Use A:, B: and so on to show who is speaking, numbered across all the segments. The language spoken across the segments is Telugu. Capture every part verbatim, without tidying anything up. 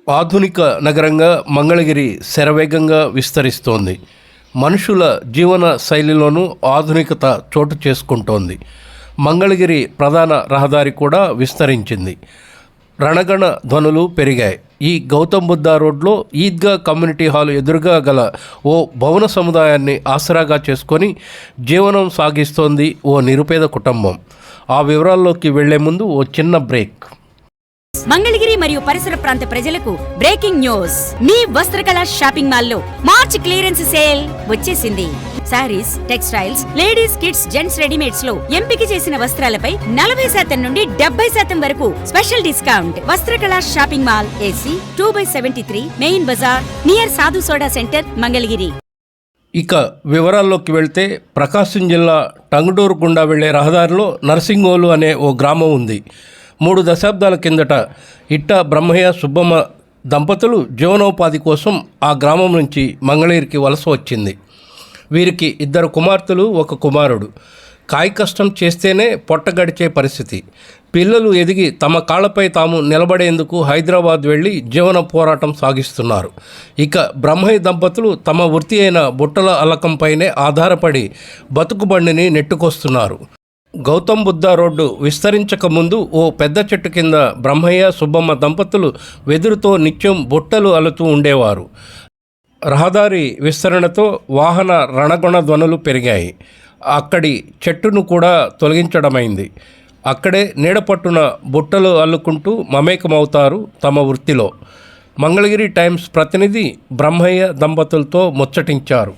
A: ఆధునిక నగరంగా మంగళగిరి శరవేగంగా విస్తరిస్తోంది. మనుషుల జీవన శైలిలోనూ ఆధునికత చోటు చేసుకుంటోంది. మంగళగిరి ప్రధాన రహదారి కూడా విస్తరించింది. రణగణ ధ్వనులు పెరిగాయి. ఈ గౌతమ్ బుద్ధ రోడ్లో ఈద్గా కమ్యూనిటీ హాల్ ఎదురుగా గల ఓ భవన సముదాయాన్ని ఆసరాగా చేసుకొని జీవనం సాగిస్తోంది ఓ నిరుపేద కుటుంబం. ఆ వివరాల్లోకి వెళ్లే ముందు ఓ చిన్న బ్రేక్.
B: మంగళగిరి మరియు పరిసర ప్రాంత ప్రజలకు బ్రేకింగ్ న్యూస్. మీ వస్త్రకళ షాపింగ్ మాల్ లో మార్చ్ క్లియరెన్స్ సేల్ వచ్చేసింది. Saris, textiles, ladies, kids, gents readymades లో ఎంపిక చేసిన వస్త్రాలపై నలభై శాతం నుండి డెబ్బై శాతం వరకు special discount. Vastrakala shopping mall, AC two by seventy three, main bazaar, near Sadhu soda centre, Mangalagiri.
A: ఇక వివరాల్లోకి వెళ్తే ప్రకాశం జిల్లా టంగుటూరు గుండా వెళ్లే రహదారిలో నర్సింగోలు అనే ఓ గ్రామం ఉంది. మూడు దశాబ్దాల కిందట ఇట్ట బ్రహ్మయ్య సుబ్బమ్మ దంపతులు జీవనోపాధి కోసం ఆ గ్రామం నుంచి మంగళగిరికి వలస వచ్చింది. వీరికి ఇద్దరు కుమార్తెలు, ఒక కుమారుడు. కాయ కష్టం చేస్తేనే పొట్ట గడిచే పరిస్థితి. పిల్లలు ఎదిగి తమ కాళ్లపై తాము నిలబడేందుకు హైదరాబాద్ వెళ్ళి జీవన పోరాటం సాగిస్తున్నారు. ఇక బ్రహ్మయ్య దంపతులు తమ వృత్తి అయిన బుట్టల అల్లకంపైనే ఆధారపడి బతుకుబండిని నెట్టుకొస్తున్నారు. గౌతమ్ బుద్ధ రోడ్డు విస్తరించక ముందు ఓ పెద్ద చెట్టు కింద బ్రహ్మయ్య సుబ్బమ్మ దంపతులు వెదురుతో నిత్యం బుట్టలు అల్లుతూ ఉండేవారు. రహదారి విస్తరణతో వాహన రణగుణ ధ్వనులు పెరిగాయి. అక్కడి చెట్టును కూడా తొలగించడమైంది. అక్కడే నీడపట్టున బుట్టలు అల్లుకుంటూ మమేకమవుతారు తమ వృత్తిలో. మంగళగిరి టైమ్స్ ప్రతినిధి బ్రహ్మయ్య దంపతులతో ముచ్చటించారు.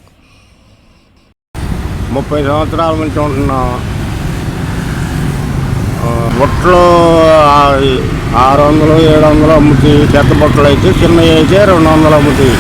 C: ముప్పై సంవత్సరాల నుంచి ఉంటున్నాం. బుట్టలు ఆరు వందలు ఏడు వందలు అమ్ముతాయి. పెద్ద బుట్టలు అయితే చిన్నవి అయితే రెండు వందలు అమ్ముతాయి.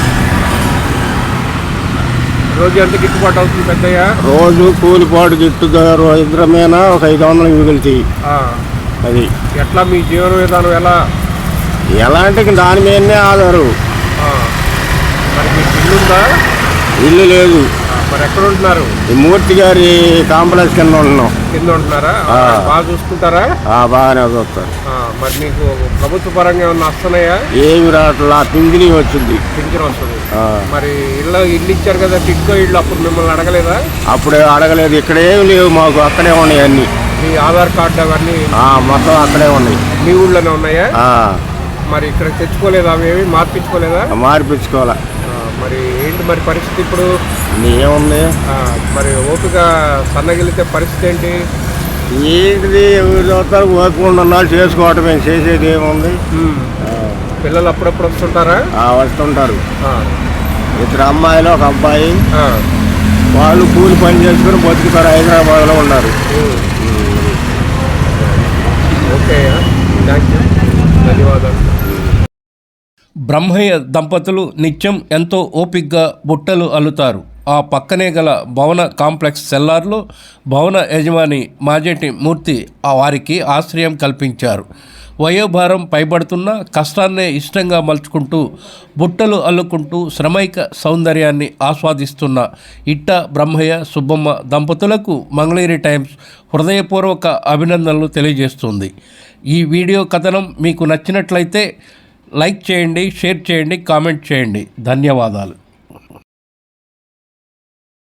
A: రోజు ఎంత గిట్టుబాటు అవుతుంది పెద్దయ్య?
C: రోజు కూలిపాటు గిట్టు ఇద్దరు మీద ఒక ఐదు వందలు మిగులుతాయి. అది
A: ఎట్లా మీ జీవన విధానం ఎలా
C: ఎలా అంటే దాని మీదనే ఆధారు.
A: మరి మీకు ఇల్లు ఉందా?
C: ఇల్లు లేదు.
A: మరి ఎక్కడ ఉంటున్నారు?
C: ఈ మూర్తి గారి కాంప్లెక్స్ కింద ఉంటున్నాం.
A: కింద ఉంటున్నారా? బాగా చూసుకుంటారా?
C: బాగానే చూస్తారు.
A: మరి మీకు ప్రభుత్వ పరంగా ఏమన్నా వస్తున్నాయా?
C: ఏమి రావట్లా. పింఛని వచ్చింది.
A: పింఛన్ వస్తుంది. మరి ఇల్లు ఇల్లు ఇచ్చారు కదా, టిక్కో ఇల్లు, అప్పుడు మిమ్మల్ని అడగలేదా?
C: అప్పుడే అడగలేదు. ఇక్కడ ఏమి లేవు మాకు. అక్కడే ఉన్నాయి అన్ని.
A: మీ ఆధార్ కార్డు అవన్నీ
C: మొత్తం అక్కడే ఉన్నాయి.
A: మీ ఊళ్ళోనే ఉన్నాయా? మరి ఇక్కడ తెచ్చుకోలేదా? అవేమి మార్పించుకోలేదా?
C: మార్పించుకోవాలా.
A: మరి ఏంటి మరి పరిస్థితి ఇప్పుడు?
C: ఏముంది
A: మరి ఓపిక సన్నగిలితే పరిస్థితి ఏంటి?
C: ఏంటిది ఎవరు చదువుతారు? ఓపిక ఉన్నాళ్ళు చేసుకోవటం. ఏం చేసేది ఏముంది?
A: పిల్లలు అప్పుడప్పుడు వస్తుంటారా?
C: వస్తుంటారు. ఇద్దరు అమ్మాయిలు, ఒక అబ్బాయి. వాళ్ళు కూలి పని చేసుకుని బతుకుతారు. హైదరాబాద్లో ఉన్నారు.
A: ఓకే, థ్యాంక్ యూ, ధన్యవాదాలు. బ్రహ్మయ్య దంపతులు నిత్యం ఎంతో ఓపిగ్గా బుట్టలు అల్లుతారు. ఆ పక్కనే గల భవన కాంప్లెక్స్ సెల్లార్లో భవన యజమాని మాజేటి మూర్తి ఆ వారికి ఆశ్రయం కల్పించారు. వయోభారం పైబడుతున్న కష్టాన్నే ఇష్టంగా మలుచుకుంటూ బుట్టలు అల్లుకుంటూ శ్రమైక సౌందర్యాన్ని ఆస్వాదిస్తున్న ఇట్ట బ్రహ్మయ్య సుబ్బమ్మ దంపతులకు మంగళగిరి టైమ్స్ హృదయపూర్వక అభినందనలు తెలియజేస్తుంది. ఈ వీడియో కథనం మీకు నచ్చినట్లయితే లైక్ చేయండి, షేర్ చేయండి, కామెంట్ చేయండి. ధన్యవాదాలు.